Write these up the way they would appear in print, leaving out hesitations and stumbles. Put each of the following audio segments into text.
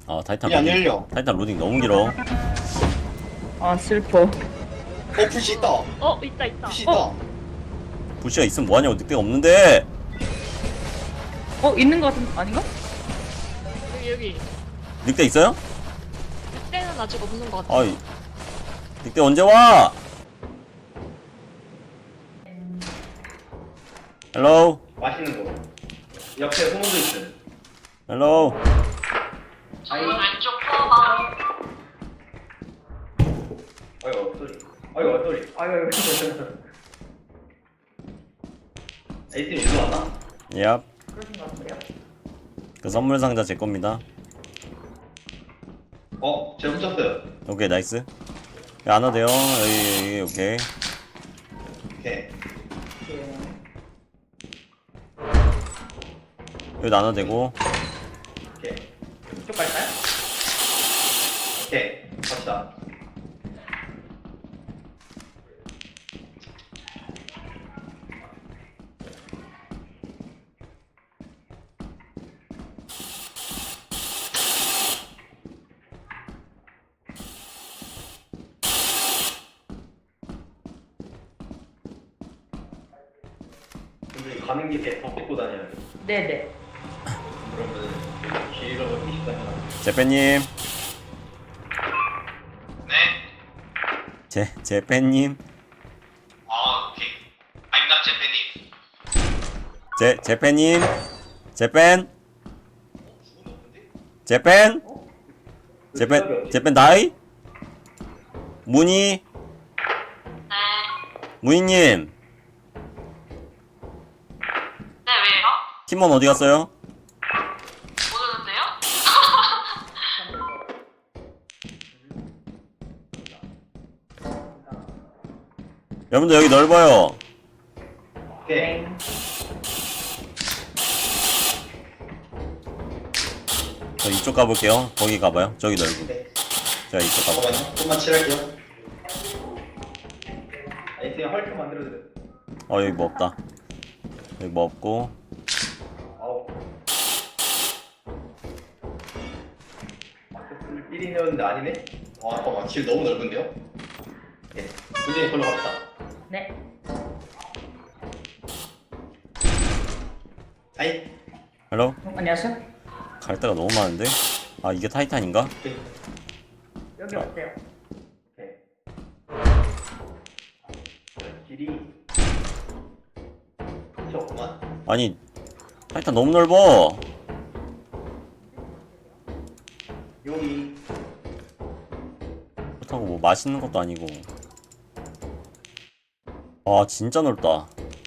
아 타이탄 이안 로딩. 열려. 타이탄 로딩 너무 길어. 아 슬퍼. 부시 있다. 있다 있다. 부시 있다. 부시가 있으면 뭐하냐고. 늑대가 없는데. 있는 거 같은 아닌가? 여기 늑대 있어요? 늑대는 아직 없는 것 같아. 아이 늑대 언제 와? 헬로 맛있는 거. 옆에 소문도 있음. 헬로. 아이. 왼쪽 커봐. 아이고 소리. 아이고 소리. 아이고. 에이팀 일로 왔나? 얍. 그러신 것 같은데요? 그 선물 상자 제 겁니다. 제가 훔쳤어요. 오케이 나이스. 여기 안 와도 돼요. 여기 오케이. 오케이. 여기 안 와도 되고. 오케이. 이쪽 갈까요? 오케이. 갑시다. 우리 가는 길에 더 뺏고 다녀야 돼. 네네. 그러면 길 잃어버리기 쉽다잖아. 제페님. 네. 제페님. 오케이. I'm not Japanese. 제페님. 제펜. 제펜. 제펜 나이? 문희. 문희님. 네 왜요? 팀원 어디 갔어요? 모르는데요? 여러분들 여기 넓어요. 오케이. 저 이쪽 가볼게요. 거기 가봐요. 저기 넓고. 네. 제가 이쪽 가볼게요. 잠깐만요. 좀만 칠할게요. 아이템 헐크 만들어드려. 여기 뭐 없다. 여기 뭐 없고. 아우. 마켓을 1인이었는데 아니네? 잠깐만. 길 너무 넓은데요? 네. 굳이 걸로 갑시다. 네. 아이. 헬로? 안녕하세요. 갈 데가 너무 많은데? 아 이게 타이탄인가? 오케이. 여기 어때요? 오케이. 길이 끝이 없구만. 아니 타이탄 너무 넓어. 여기. 그렇다고 뭐 맛있는 것도 아니고. 아 진짜 넓다.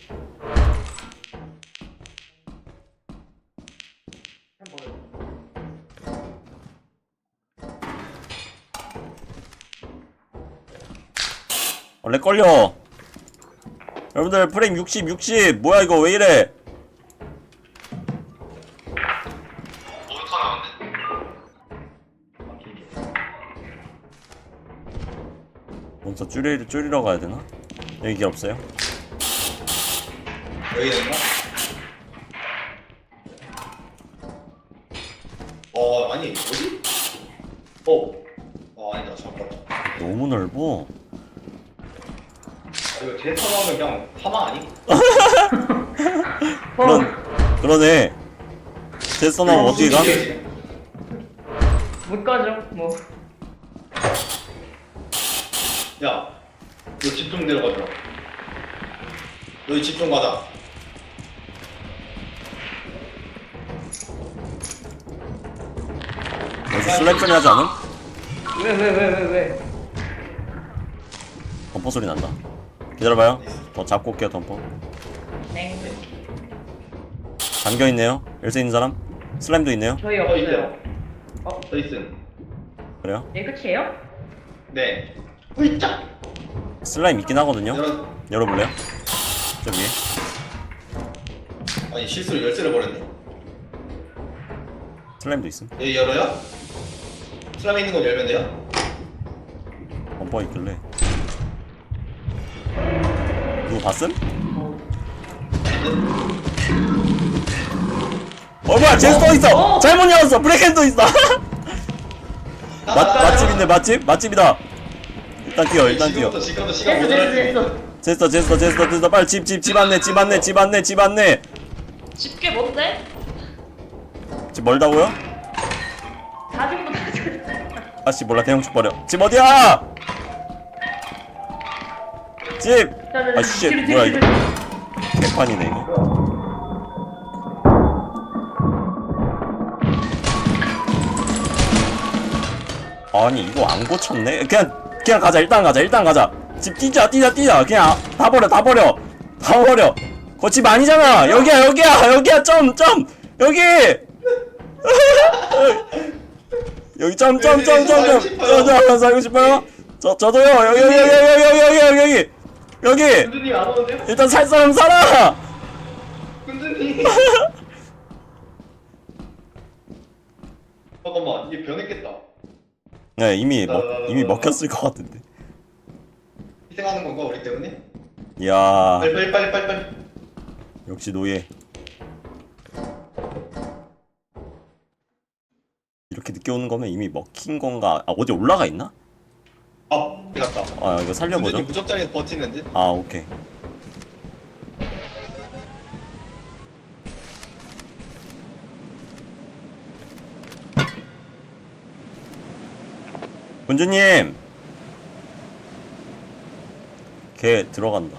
원래 걸려. 여러분들 프레임 60 뭐야 이거 왜 이래? 모니터 나왔네. 몬스터 줄이러 가야 되나? 여기 길 없어요? 여기 있나? 아니 어디? 아니다 잠깐만. 너무 넓어. 이거 제 상황은 그냥 사망 아니? 그러네. 제스나면 어떻게 가? 못 가죠. 뭐. 야, 너 집 좀 내려가자. 너희 집 좀 가자. 여기서 슬랩 소리 하지 않음? 왜? 덤퍼 소리 난다. 기다려봐요. 더 잡고 올게요 덤퍼. 네. 잠겨있네요. 열쇠 있는 사람? 슬라임도 있네요. 저희 있어요. 없어요. 더 있음. 그래요? 네 끝이에요? 네. 으이짜. 슬라임 있긴 하거든요. 열어볼래요? 저 위에. 아니 실수로 열쇠를 버렸네. 슬라임도 있음. 여기 열어요? 슬라임 있는 건 열면 돼요? 덤퍼 있길래. 누구 봤음? 뭐야 제스터 있어! 잘못 열었어! 브레이크도 있어! 맛집인데 맛집이다. 일단 뛰어 지금부터 시간 됐어 모자랄 됐어 됐어. 됐어 빨리 집 안내. 집게 뭔데? 집 멀다고요? 다 죽고 다 죽고. 아씨 몰라 대형축 버려. 집 어디야? 집. 아씨 뭐야 이거. 개판이네 이거. 아니 이거 안 고쳤네. 그냥 가자. 일단 가자. 집 뛰자. 그냥 다 버려. 거 집 아니잖아. 여기야. 점 여기. 여기 점. 살고 싶어요? 저도요. 여기. 군주님 안 오는데요? 일단 살 사람 살아. 군주님. 잠깐만 이게 변했겠다. 네 이미 먹혔을 것 같은데. 희생하는 건가 우리 때문에? 이야 빨리. 역시 노예. 이렇게 늦게 오는 거면 이미 먹힌 건가? 아 어디 올라가 있나? 갔다. 아 이거 살려보죠. 군주님 무적자리에서 버티는데? 아 오케이. 군주님 걔 들어간다.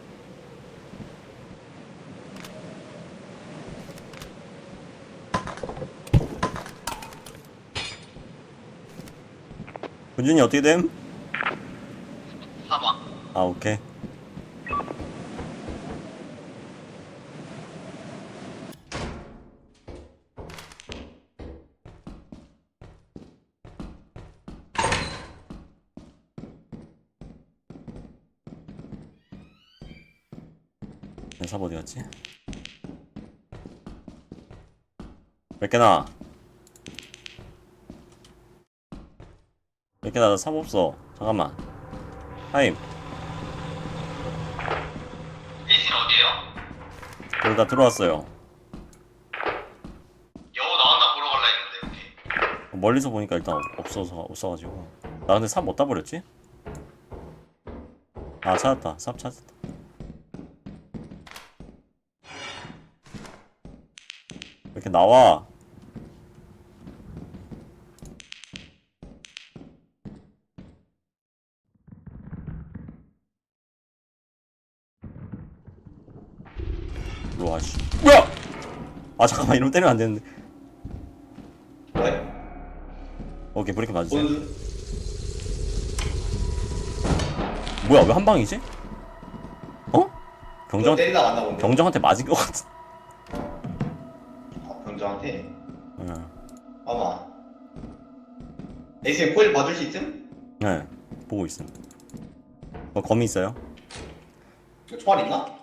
군주님 어떻게 됨? 사망. 아 오케이. 삽 어디 갔지? 몇 개나? 몇 개나? 나 삽 없어. 잠깐만. 하임. 에이스는 어디에요? 여기 다 들어왔어요. 여우 나왔나 보러 갈라 했는데 여기. 멀리서 보니까 일단 없어가지고. 나 근데 삽 어디다 버렸지? 아 찾았다. 삽 찾았다. 이렇게 나와. 와 씨. 뭐야? 아 잠깐만 이러면 때리면 안 되는데. 왜? 오케이 브레이크 맞으세요. 본드. 뭐야 왜 한 방이지? 어? 너 때리다 왔나 본데. 경정한테 맞은 것 같은. 병정한테. 응. 아마. 에이스님 코일 봐줄 수 있음? 네 보고 있음. 검이 있어요? 이거 총알 있나?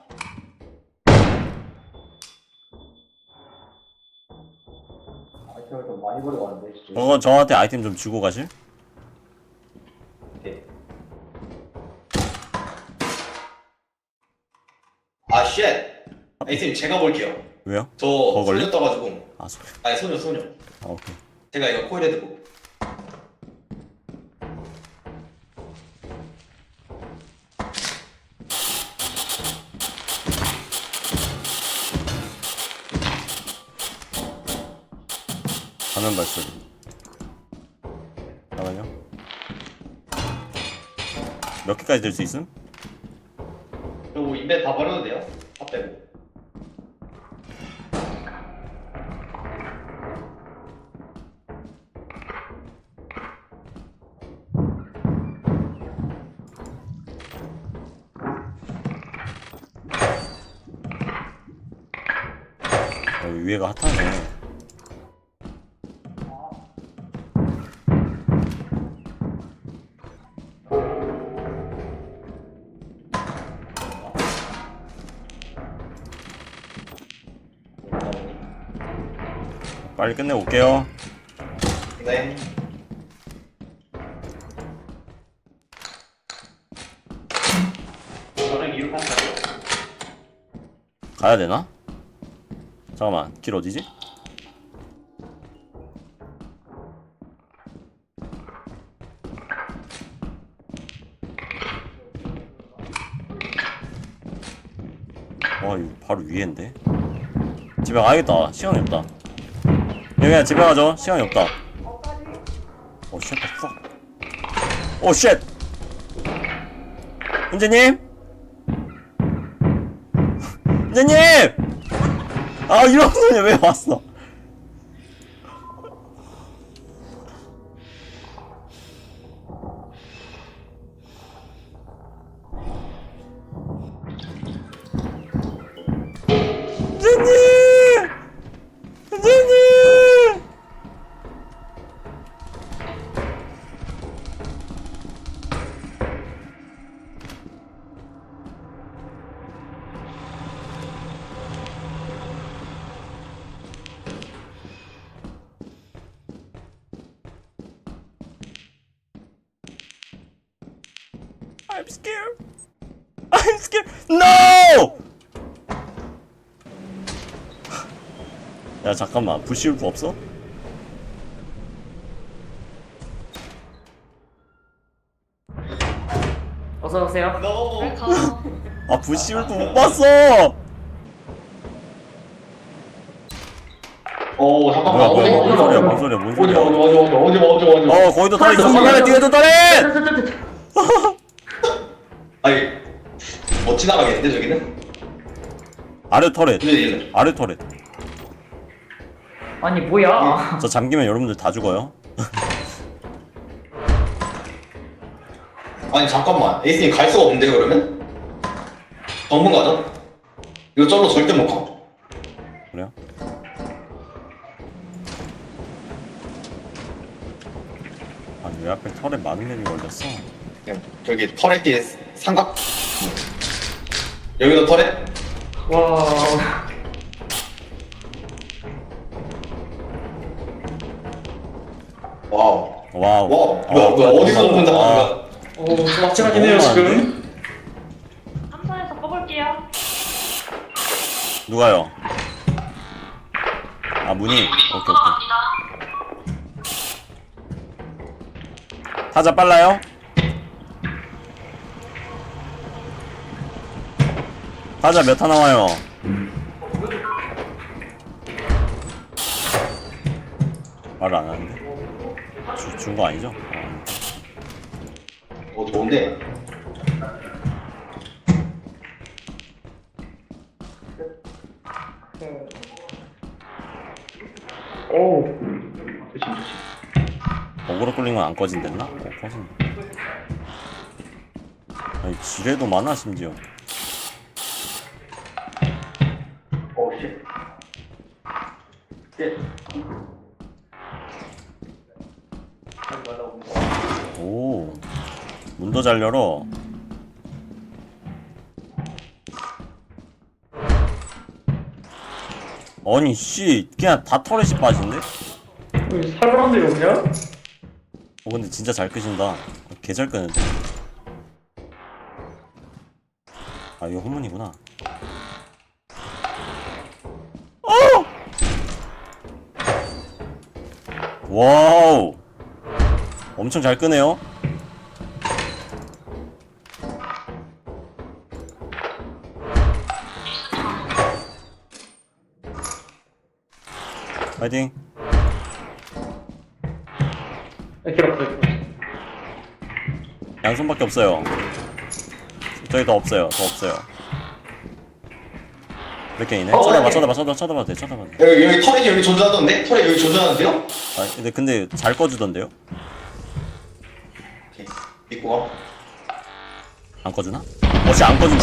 아이템을 좀 많이 버리고 왔는데 진짜. 저한테 아이템 좀 주고 가실? 오케이. 아 쉣! 에이스님 제가 볼게요. 왜요? 저 걸리? 소녀 떠가지고. 아 소리. 아니 소녀. 아 오케이. 제가 이거 코일에 두고. 화면 발소리. 잠깐만요. 몇 개까지 들 수 있음? 그리고 인벤 다 버려도 돼요? 다 빼고. 여기 위에가 핫하네. 빨리 끝내고 올게요. 네. 저는 이륙한다고. 가야 되나? 잠깐만, 길 어디지? 와 이거 바로 위에인데. 집에 가야겠다. 시간이 없다. 그냥 집에 가죠. 시간이 없다. 오 쉣. 오 쉣. 훈제님? 훈제님! 아 이런 소리 왜 왔어? 훈제님! 훈제님! I'm scared. I'm scared. No! 야 잠깐만 부시울프 없어? 어서 오세요. 너. 가. 아 부시울프 못 봤어. 잠깐만. 뭐야 뭔 소리야 뭔 소리야 뭔 소리야. 어디. 거기도 털 있어. 상관에 뒤에도 털 있. 아니, 못 지나가겠는데 저기는? 아래 터렛. 왜? 아래 터렛. 아니 뭐야? 저 잠기면 여러분들 다 죽어요. 아니 잠깐만, 에이스님 갈 수가 없는데 그러면? 정문 가자. 이거 절로 절대 못 가. 그래요? 아니 왜 앞에 털에 많은 맵이 걸렸어? 그냥 저기 터렛 뒤에 삼각. 여기도 터렛? 와. 와우. 와우. 뭐야, 어디서 혼자 하는 거야? 오, 막장하긴 해요 지금. 함선에서 꺼볼게요. 누가요? 아 문이. 오케이 오케이. 타자 빨라요? 타자 몇 타 나와요? 말을 안 하는데? 준 거 아니죠? 어디 뭔데? 오. 조심. 어그로 끌린 건 안 꺼진댔나? 꺼진다. 아니 지뢰도 많아 심지어. 쉣. 쉣. 오 문도 잘 열어. 아니 씨 그냥 다 터렛이 빠진데? 살벌한데요 그냥? 근데 진짜 잘 끄신다. 개 잘 끄는데. 아 이거 후문이구나. 와우 엄청 잘 끄네요. 파이팅. 기록돼. 양손밖에 없어요. 저기 더 없어요. 더 없어요. 몇 개이네? 쳐다봐 쳐다봐도 돼. 여기 터렛이 여기 존재하던데? 터렛 여기 존재하는데요? 아 근데 잘 꺼주던데요? 오케이. 믿고 가. 안 꺼주나? 어씨 안 꺼준다.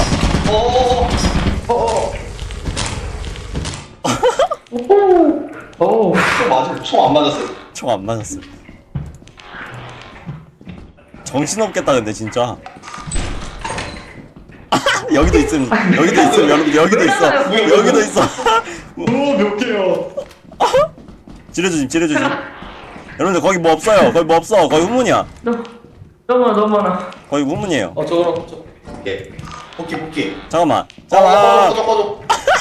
오. 총안 맞았어요? 총 안 맞았어. 정신없겠다 근데 진짜. 여기도 있음 여러분 여기도 있어. 몇 개요? 지뢰조심. 여러분들 거기 뭐 없어요. 거기 후문이야. 너무 많아. 거기 후문이에요. 저거랑 저. 오케이. 복귀. 잠깐만. 꺼져.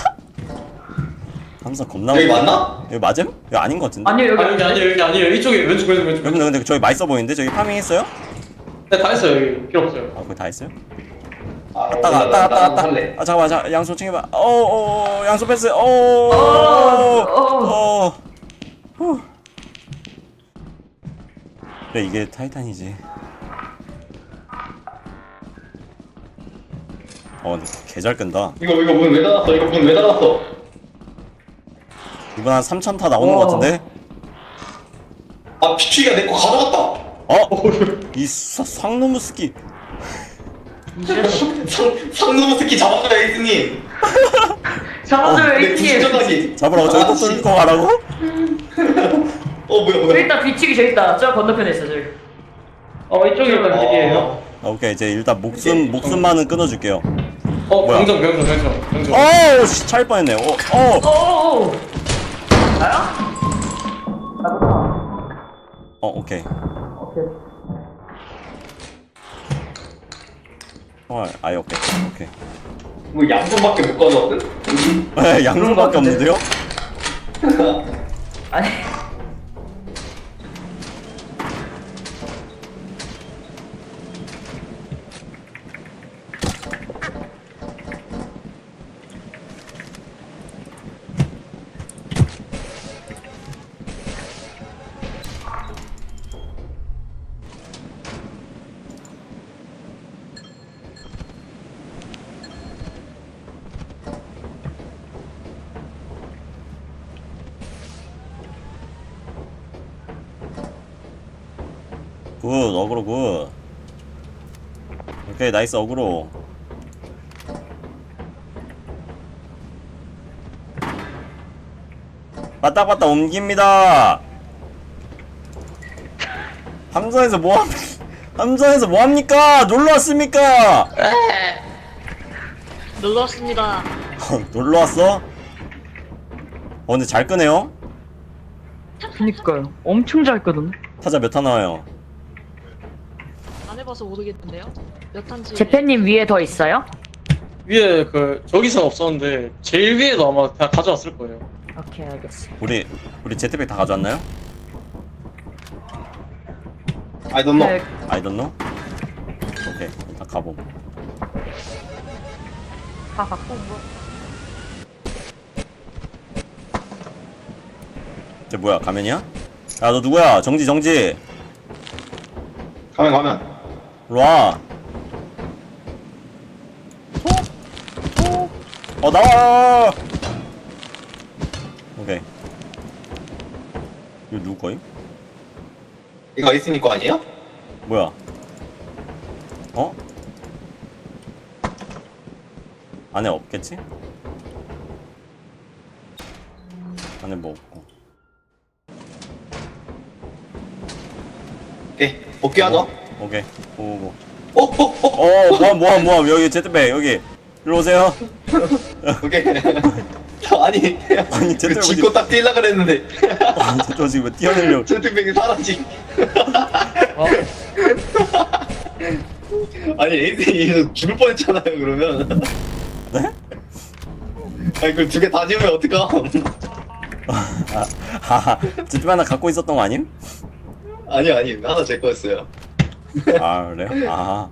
함선 겁나. 여기 맞나? 여기 맞음? 여기 아닌 것 같은데? 아니요 여기. 여기 아니에요. 이쪽에 왼쪽. 여러분들 근데 저기 맛있어 보이는데? 저기 파밍 했어요? 네, 다 했어요. 여기 필요 없어요. 아 거기 다 했어요? 왔다. 할래. 아 잠깐만, 양손 챙겨봐. 양손 패스. 후. 그래, 이게 타이탄이지. 근데 개잘 끈다. 이거 문 왜 닫았어? 이거 문 왜 닫았어? 이번 한 3천 타 나오는 것 같은데? 아 피추이가 내 거 가져갔다. 이 상놈의 스키. 상놈 스키 잡았어요 에이스님. 잡아줘요 내 A팀. 부시전하기. 잡으라고 저기 또 뚫고 가라고? 뭐야. 저기 있다 뒤치기 저기 있다. 저 건너편에 있어 저기. 이쪽이 일단 길이에요. 오케이, 이제 일단 목숨만은 끊어줄게요. 뭐야? 병정. 씨, 차일 뻔했네. 오오오. 나야? 오케이. 오케이. 아예 오케이. 뭐 양손밖에 못 가져왔든? 양손밖에 같은데? 없는데요? 아니. 굿, 어그로 굿. 오케이, 나이스 어그로. 빠딱빠딱 옮깁니다. 함선에서 뭐합니까? 놀러 왔습니까? 놀러 왔습니다. 놀러 왔어? 근데 잘 끄네요? 그니까요. 엄청 잘 거든. 타자 몇 타 나와요? 안 해봐서 모르겠는데요. 몇 탄지. 재팬님 위에 더 있어요? 위에 저기서 없었는데 제일 위에도 아마 다 가져왔을 거예요. 오케이 알겠어. 우리 제트백 다 가져왔나요? I don't know. 네, I don't know? 오케이, 일단 가봄. 다 갖고 온 거. 쟤 뭐야, 가면이야? 야, 너 누구야? 정지. 가면. 일로와. 나와! 오케이. 이거 누구 거임? 이거 에이스님 거 아니에요? 뭐야? 안에 없겠지? 안에 뭐 없고. 오케이 복귀하자. 오케이. 오고. 모함. 여기 제트백, 여기. 일로 오세요. 오케이. 아니 아니, 그 짚고 딱 뛰려 그랬는데 저 지금 뛰어내려고. 채팅백이 사라지. 아니 에이스님 죽을 뻔했잖아요 그러면. 네? 아니 그걸 두 개 다 지우면 어떡함. 제트백 하나 갖고 있었던 거 아님? 아니 하나 제 거였어요. 그래요?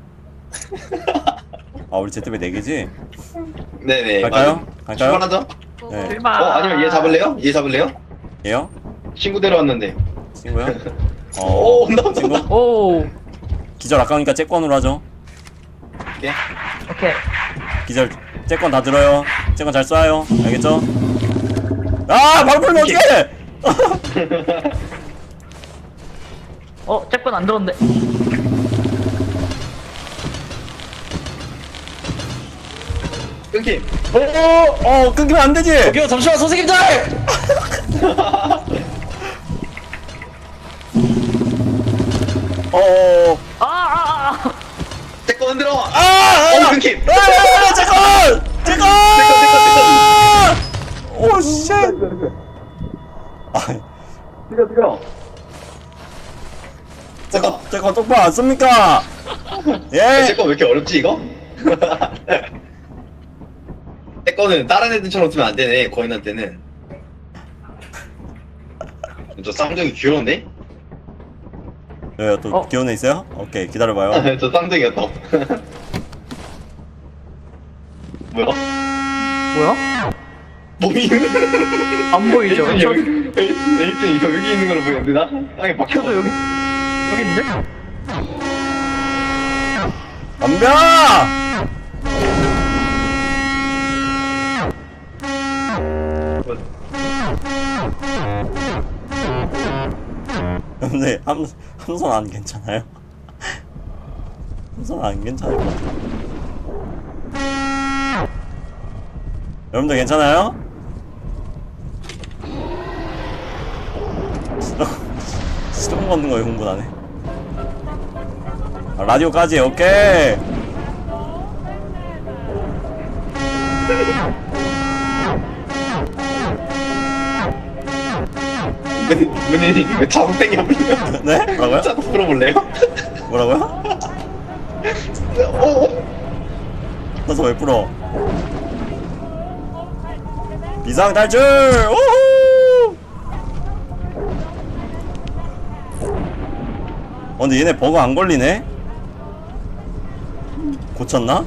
우리 제트백 4개지? 네네. 갈까요? 출발하자. 네. 아니면 얘 잡을래요? 얘요? 친구 데려왔는데. 친구요? 온다. 친구? 오. 기절 아까우니까 째권으로 하죠. 오케이. 오케이. 기절 째권 다 들어요. 째권 잘 쏴요. 알겠죠? 바로 풀면 어떡해! 잭번 안 들었는데. 끊김. 끊기면 안 되지! 여기요, 잠시만, 선생님들! 제거 흔들어. 끊김. 째권! 오, 쉣! 들어. 째권 똑바로 안 씁니까? 예? 제거 왜 이렇게 어렵지 이거? 제 거는 다른 애들처럼 쓰면 안 되네. 거인한테는. 저 쌍둥이 귀여운데? 또 귀여운 애 있어요? 오케이, 기다려봐요. 저 쌍둥이였다. 뭐야? 뭐야? 몸이 안 보이죠? 에이튼 여기 에이튼 이거 여기 있는 걸로 보이는데 나 땅에 박혀. 저도 여기 있는데? 덤벼! 근데 함선 안 괜찮아요? 함선 안 괜찮을 것 같아요. 여러분들 괜찮아요? 시동 걷는 거에 흥분하네. 아, 라디오까지 오케이. 문이 왜 자동 땡겨버려? 네? 뭐라고요? 자동 풀어볼래요? 뭐라고요? 오. 나서 왜 풀어? 비상 탈출! 오호! 근데 얘네 버그 안 걸리네? 고쳤나?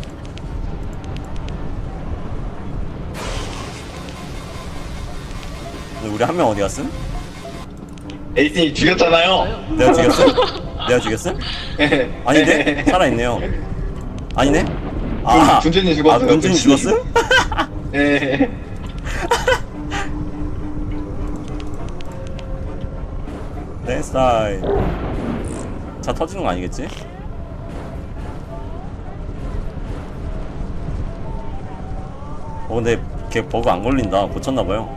근데 우리 한 명 어디 갔음? 에이튼이 죽였잖아요. 내가 죽였음? 내가 죽였음? 아닌데? 살아있네요. 아니네? 군준이 죽었어요, 아, 군준이 군준이. 죽었음? 예. 내 스타일. 차 터지는 거 아니겠지? 근데 걔 버그 안 걸린다. 고쳤나봐요.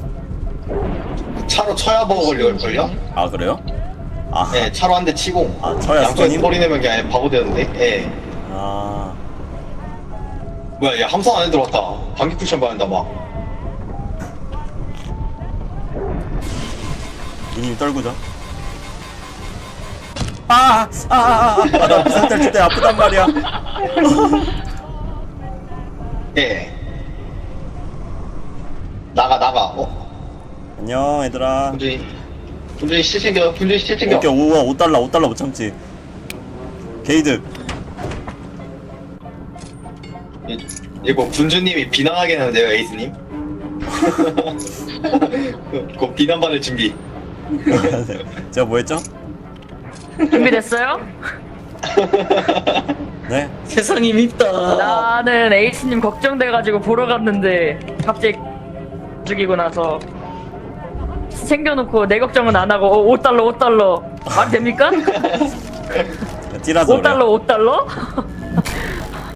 차로 쳐야 버거 걸릴걸요? 아, 그래요? 아, 예, 차로 한 대 치고. 아, 쳐야 양쪽에서 스톤님? 소리 내면 그냥 바보 되는데. 예. 아, 뭐야, 얘 함선 안에 들어왔다. 방귀 쿠션 받는다 막. 이님 떨구자. 나 비상 탈출 때 아프단 말이야. 예. 나가. 안녕, 얘들아. 군준이 시체 챙겨. 군준이 시체 챙겨. 오케이, 우와, 5달러 못 참지. 게이드. 이거 군주님이 비난하게 했는데요, 에이스님. 그 비난받을 준비. 제가 뭐 했죠? 준비됐어요? 네? 세상이 밉다. 나는 에이스님 걱정돼가지고 보러 갔는데 갑자기 죽이고 나서 챙겨놓고 내 걱정은 안 하고 5달러 말 됩니까? 띠라서 그래요. 5달러?